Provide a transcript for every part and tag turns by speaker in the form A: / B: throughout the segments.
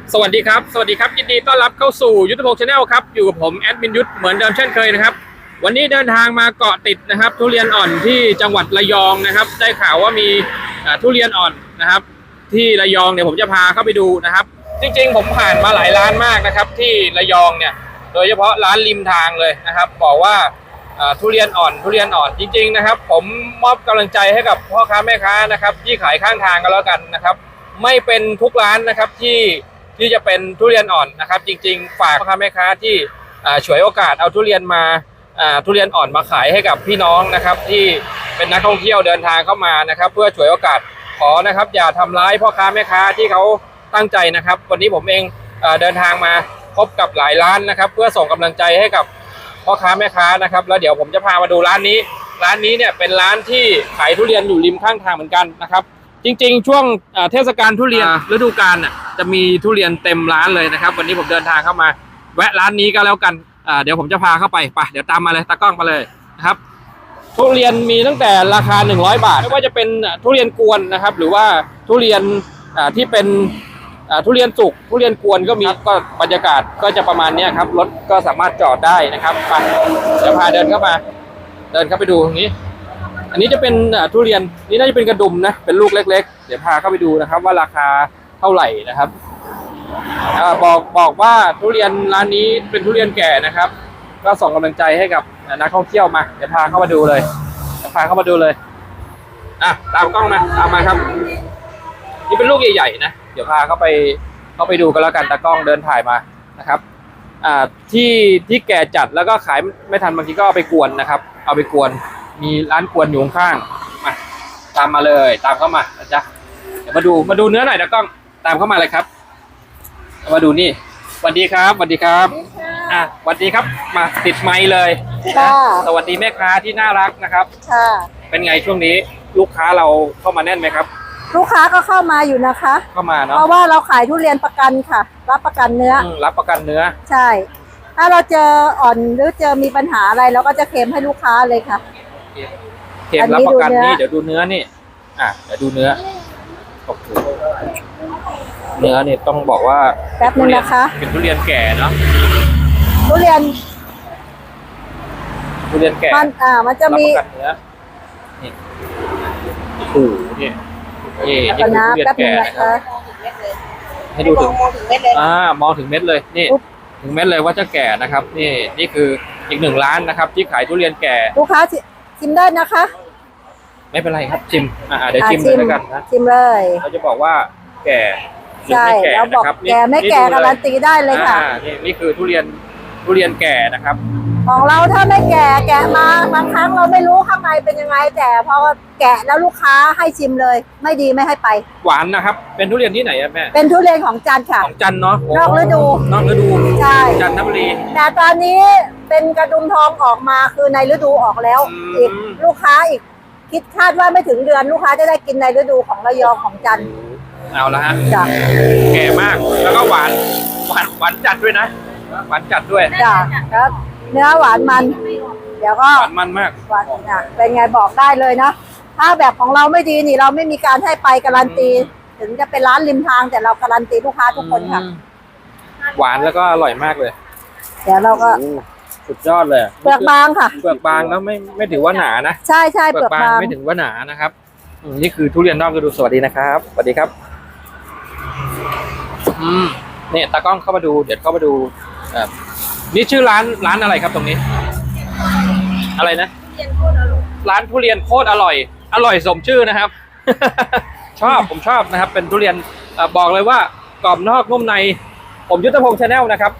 A: สวัสดีครับยินดีต้อนรับเข้าสู่ยุทธพงศ์ชาแนลครับอยู่กับผมแอดมินยุทธเหมือนเดิมเช่นเคยนะครับวันนี้เดินทางมาเกาะติดนะครับทุเรียนอ่อนที่จังหวัดระยองนะครับได้ข่าวว่ามีทุเรียนอ่อนนะครับที่ระยองเนี่ยผมจะพาเข้าไปดูนะครับจริงๆผมผ่านมาหลายร้านมากนะครับที่ระยองเนี่ยโดยเฉพาะร้านริมทางเลยนะครับบอกว่าทุเรียนอ่อนจริงๆนะครับผมมอบกำลังใจให้กับพ่อค้าแม่ค้านะครับที่ขายข้างทางกันแล้วกันนะครับไม่เป็นทุกร้านนะครับที่จะเป็นทุเรียนอ่อนนะครับจริงๆฝากพ่อค้าแม่ค้าที่ฉวยโอกาสเอาทุเรียนอ่อนมาขายให้กับพี่น้องนะครับที่เป็นนักท่องเที่ยวเดินทางเข้ามานะครับเพื่อฉวยโอกาสขอนะครับอย่าทำร้ายพ่อค้าแม่ค้าที่เขาตั้งใจนะครับวันนี้ผมเองเดินทางมาพบกับหลายร้านนะครับเพื่อส่งกำลังใจให้กับพ่อค้าแม่ค้านะครับแล้วเดี๋ยวผมจะพามาดูร้านนี้เนี่ยเป็นร้านที่ขายทุเรียนอยู่ริมข้างทางเหมือนกันนะครับจริงๆช่วงเทศกาลทุเรียนฤดูกาลจะมีทุเรียนเต็มร้านเลยนะครับวันนี้ผมเดินทางเข้ามาแวะร้านนี้ก็แล้วกันเดี๋ยวผมจะพาเข้าไปเดี๋ยวตามมาเลยตากล้องมาเลยนะครับทุเรียนมีตั้งแต่ราคา100 บาทไม่ว่าจะเป็นทุเรียนกวนนะครับหรือว่าทุเรียนที่เป็นทุเรียนสุกทุเรียนกวนก็มีก็บรรยากาศก็จะประมาณนี้ครับรถก็สามารถจอดได้นะครับไปจะพาเดินเข้าไปดูตรงนี้อันนี้จะเป็นทุเรียนนี่น่าจะเป็นกระดุมนะเป็นลูกเล็กๆเดี๋ยวพาเข้าไปดูนะครับว่าราคาเท่าไหร่นะครับบอกว่าทุเรียนร้านนี้เป็นทุเรียนแก่นะครับก็ส่งกำลังใจให้กับนักท่องเที่ยวมาเดี๋ยวพาเข้ามาดูเลยตามกล้องมาตามมาครับนี่เป็นลูกใหญ่ๆนะเดี๋ยวพาเข้าไปดูกันแล้วกันตากล้องเดินถ่ายมานะครับที่แก่จัดแล้วก็ขายไม่ทันบางทีก็เอาไปกวนนะครับเอาไปกวนมีร้านกวนอยู่ข้างมาตามมาเลยตามเข้ามานะจ๊ะเดี๋ยวมาดูเนื้อหน่อยตากล้องตามเข้ามาเลยครับมาดูนี่สวัสดีครับสวัสดีครับสวัสดีครับมาติดไมค์เลยสวัสดีแม่ค้าที่น่ารักนะครับค่ะเป็นไงช่วงนี้ลูกค้าเราเข้ามาแน่นไหมครับ
B: ลูกค้าก็เข้ามาอยู่นะคะ
A: เข้ามาเนาะ
B: เพราะว่าเราขายทุเรียนประกันค่ะรับประกันเนื้อ
A: รับประกันเนื้อ
B: ใช่ถ้าเราเจออ่อนหรือเจอมีปัญหาอะไรเราก็จะเคลมให้ลูกค้าเลยค่ะ
A: เคลมรับประกันนี่เดี๋ยวดูเนื้อนี่เดี๋ยวดูเนื้อโอ้โหเนื้อนี่ต้องบอกว่า
B: แป๊บนึงนะคะ
A: เป็นทุเรียนแก่เนาะ
B: ทุเรียน
A: แก่
B: มันจะมี
A: รับประกันเนื้อนี่โอ้โหนี่คือทุเรียนแก่นะครับให้ดูถึงเม็ดเลยมองถึงเม็ดเลยนี่ถึงเม็ดเลยว่าจะแก่นะครับนี่คืออีกหนึ่งร้านนะครับที่ขายทุเรียนแก่
B: ลูกค้าชิมได้นะคะ
A: ไม่เป็นไรครับชิมเดี๋ยวชิมเลยแล้วกันนะ
B: ชิมเลย
A: เขาจะบอกว่าแก่
B: ใช่เราบอกแก่ไม่แก่การันตีได้เลยค่ะ
A: นี่คือทุเรียนแก่นะครับ
B: ของเราถ้าไม่แกะมาบางครั้งเราไม่รู้ข้างในเป็นยังไงแต่พอแกะแล้วลูกค้าให้ชิมเลยไม่ดีไม่ให้ไป
A: หวานนะครับเป็นทุเรียนที่ไหนแม่
B: เป็นทุเรียนของจันทร์ค่ะ
A: ของจันทร์เนาะ
B: นอกฤดูใช่
A: จันทบุรี
B: แต่ตอนนี้เป็นกระดุมทองออกมาคือในฤดูออกแล้วอีกลูกค้าอีกคิดคาดว่าไม่ถึงเดือนลูกค้าจะได้กินในฤดูของระยองของจันทร์
A: เอาละฮะแก่มากแล้วก็หวานจัดด้วยนะหวานจัดด้วย
B: จ้ะแล้วเนื้อหวานมันเดี๋ยวก็
A: หวานมันมาก
B: หวานเป็นไงบอกได้เลยนะถ้าแบบของเราไม่ดีนี่เราไม่มีการให้ไปการันตีถึงจะเป็นร้านริมทางแต่เราการันตีลูกค้าทุกคนค่ะ
A: หวานแล้วก็อร่อยมากเลย
B: เดี๋ยวเราก็
A: สุดยอดเลย
B: เปลือกบางค่ะ
A: เปลือกบางแล้วไม่ถือว่าหนานะ
B: ใช่เปลือกบาง
A: ไม่ถือว่าหนานะครับนี่คือทุเรียนนอกฤดูสวัสดีนะครับสวัสดีครับเนี่ยตากล้องเข้ามาดูเดี๋ยวเข้ามาดูนี่ชื่อร้านอะไรครับตรงนี้อะไรนะร้านทุเรียนโคตรอร่อยสมชื่อนะครับ ผมชอบนะครับเป็นทุเรียนบอกเลยว่ากรอบนอกนุ่มในผมยุทธพงษ์ชาแนลนะครับ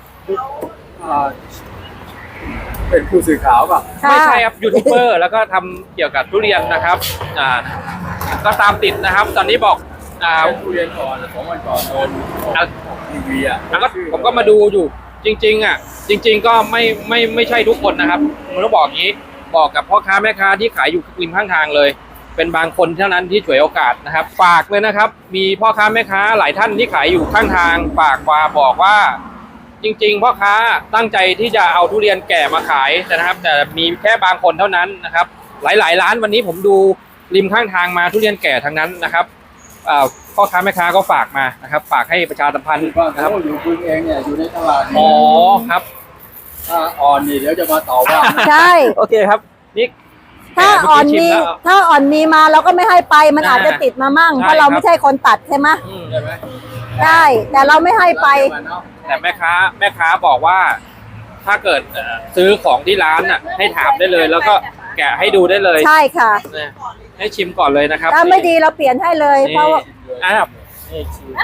C: เป็นผู้สื่อข่าวป่ะ
A: ไม่ใช่ครับยูทูบเบอร์แล้วก็ทำเกี่ยวกับทุเรียนนะครับก็ตามติดนะครับตอนนี้บอก
C: ทุเรียนก่อน2 วันก่อนโดนทีวี
A: แล้วก็ผมก็มาดูอยู่จริงก็ไม่ใช่ทุกคนนะครับผมต้องบอกอย่างนี้บอกกับพ่อค้าแม่ค้าที่ขายอยู่ริมข้างทางเลยเป็นบางคนเท่านั้นที่ฉวยโอกาสนะครับฝากเลยนะครับมีพ่อค้าแม่ค้าหลายท่านที่ขายอยู่ข้างทางฝากมาบอกว่าจริงๆพ่อค้าตั้งใจที่จะเอาทุเรียนแก่มาขายนะครับแต่มีแค่บางคนเท่านั้นนะครับหลายร้านวันนี้ผมดูริมข้างทางมาทุเรียนแก่ทั้งนั้นนะครับพ่อค้าแม่ค้าก็ฝากมานะครับฝากให้ประชาสัมพันธ์
C: ว่า
A: นะครับ
C: เขาอยู่คุณเองเนี่ยอยู่ในตลาด
A: อ๋อครับ
C: ถ้าอ่อนนี่เดี๋ยวจะมาต่อว่า
B: ใช่
A: โอเคครับนี่
B: ถ้าอ่อนมี
A: เมื่กี้ชิแล้ว
B: ถ้าอ่อนมีมาเราก็ไม่ให้ไปมัน
A: อ่า
B: อาจจะติดมามั่ง
A: ใช่
B: เพราะเรา
A: ครับ
B: ไม่ใช่คนตัดใช่ไหม
C: ใช่ไหม
B: ได้แต่เราไม่ให้ไป
A: แต่แม่ค้าบอกว่า ถ้าเกิดซื้อของที่ร้านน่ะ ให้ถามได้เลย แล้วก็แกะให้ดูได้เลย
B: ใช่ค่ะ
A: เนี่ยให้ชิมก่อนเลยนะครับ
B: ถ้าไม่ดีเราเปลี่ยนให้เลย
A: นี่
B: เพราะว่า
A: อ่ะ
C: นี่ชิม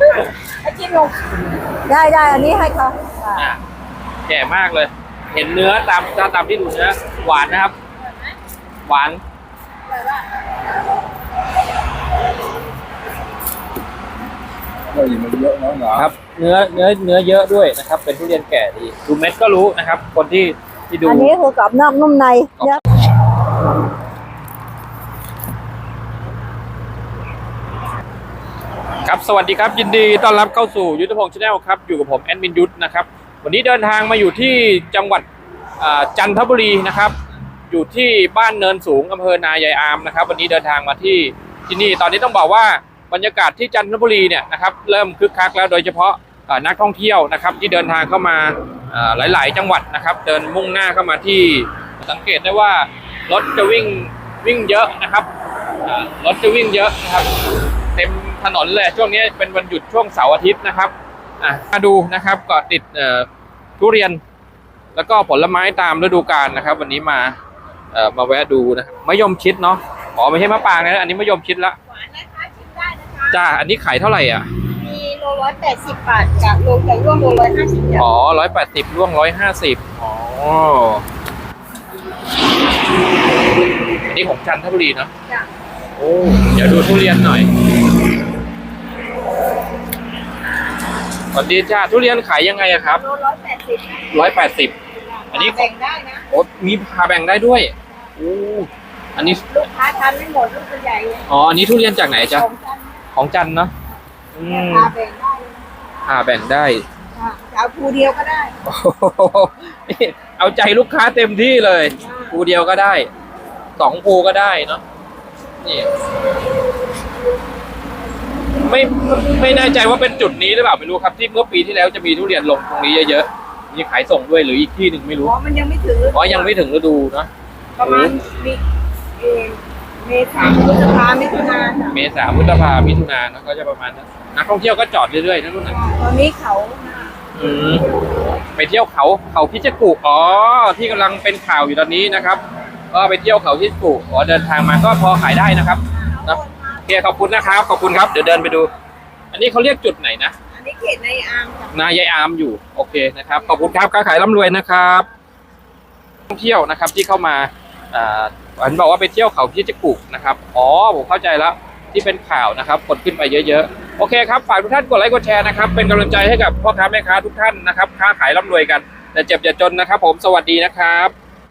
B: ได้อันนี้ให้เขา
A: อ่ะแก่มากเลย เห็นเนื้อตามที่ดูเนื้อหวานนะครับ หวาน
C: ก็อยู่มันเยอะน้องเหรอ
A: ครับ เนื้อเยอะด้วยนะครับ เป็นทุเรียนแก่ดีดูเม็ดก็รู้นะครับ คนที่ดู
B: อันนี้คือกรอบนอกนุ่มในเนื้อ
A: ครับสวัสดีครับยินดีต้อนรับเข้าสู่ยุทธพงศ์ชาแนลครับอยู่กับผมแอดมินยุทธนะครับวันนี้เดินทางมาอยู่ที่จังหวัดจันทบุรีนะครับอยู่ที่บ้านเนินสูงอำเภอนายายอามนะครับวันนี้เดินทางมาที่นี่ตอนนี้ต้องบอกว่าบรรยากาศที่จันทบุรีเนี่ยนะครับเริ่มคึกคักแล้วโดยเฉพาะนักท่องเที่ยวนะครับที่เดินทางเข้ามาหลายๆ จังหวัดนะครับเดินมุ่งหน้าเข้ามาที่สังเกตได้ว่ารถจะวิ่งเยอะนะครับรถจะวิ่งเยอะนะครับเต็มถนนเลยช่วงนี้เป็นวันหยุดช่วงเสาร์อาทิตย์นะครับมาดูนะครับก็ติดทุเรียนแล้วก็ผลไม้ตามฤดูกาลนะครับวันนี้มาแวะดูนะครับมะยมชิดเนาะอ๋อไม่ใช่มะปรางนะอันนี้มะยมชิดละ
D: หวานนะคะชิมได้นะคะ
A: จ้าอันนี้ขายเท่าไหร่อ่ะ
D: มีโล180 บาทกับโลไก่ร่วงโล150บาท
A: อ๋อ180ร่วง150อ๋ออันนี้ของจันทบุรีเนาะ
D: จ้ะ
A: โอ้เดี๋ยวดูทุเรียนหน่อยสวัสดีจ้าทุเรียนขายยังไงอะครับ
D: โล180
A: 180อันนี้
D: แบ่งได้นะ
A: โอ้มีพาแบ่งได้ด้วยโอ้อันนี้
D: ลูกค้าทานไม่หมดลูกใหญ่เลย
A: อ๋ออันนี้ทุเรียนจากไหนจ๊ะ
D: ของกัน
A: ของจันทร์เนาะอืม
D: พาแบ่งได้เลย
A: พาแบ่งได้
D: ค่ะจะเอาภูเดียวก็ได้
A: โอ้โหนี่เอาใจลูกค้าเต็มที่เลยภูเดียวก็ได้2ภูก็ได้เนาะนี่ไม่แน่ใจว่าเป็นจุดนี้หรือเปล่าไม่รู้ครับที่เมื่อปีที่แล้วจะมีทุเรียนลงตรงนี้เยอะๆมีขายส่งด้วยหรืออีกที่หนึ่งไม่รู้
D: อ๋อมันยังไม่ถึง
A: อ๋อยังไม่ถึงฤดูเนาะ
D: ประมาณเมษาพฤษภามิถุนาจ้ะ
A: เมษาพฤษภามิถุนายนก็จะประมาณนั้นนักท่องเที่ยวก็จอดเรื่อยๆนั่นน่ะ
D: ตอนนี้เขามา
A: อืมไปเที่ยวเขาพิจิตรกุอ๋อที่กำลังเป็นข่าวอยู่ตอนนี้นะครับ ก็ไปเที่ยวเขาพิจิตรกุอ๋อเดินทางมาก็พอขายได้นะครับนะโอเคขอบคุณนะครับขอบคุณครับเดี๋ยวเดินไปดู อันนี้เขาเรียกจุดไหนนะ
D: อันนี้เขตในอามจ้ะ
A: นายายอามอยู่โอเคนะครับขอบคุณครับค้าขายร่ำรวยนะครับท่องเที่ยวนะครับที่เข้ามาอันบอกว่าไปเที่ยวเขาพิจิตรกุนะครับอ๋อผมเข้าใจแล้วที่เป็นข่าวนะครับกดขึ้นไปเยอะๆโอเคครับฝากทุกท่านกดไลค์กดแชร์นะครับเป็นกำลังใจให้กับพ่อค้าแม่ค้าทุกท่านนะครับค้าขายร่ำรวยกันแต่เจ็บอย่าจนนะครับผมสวัสดีนะครับ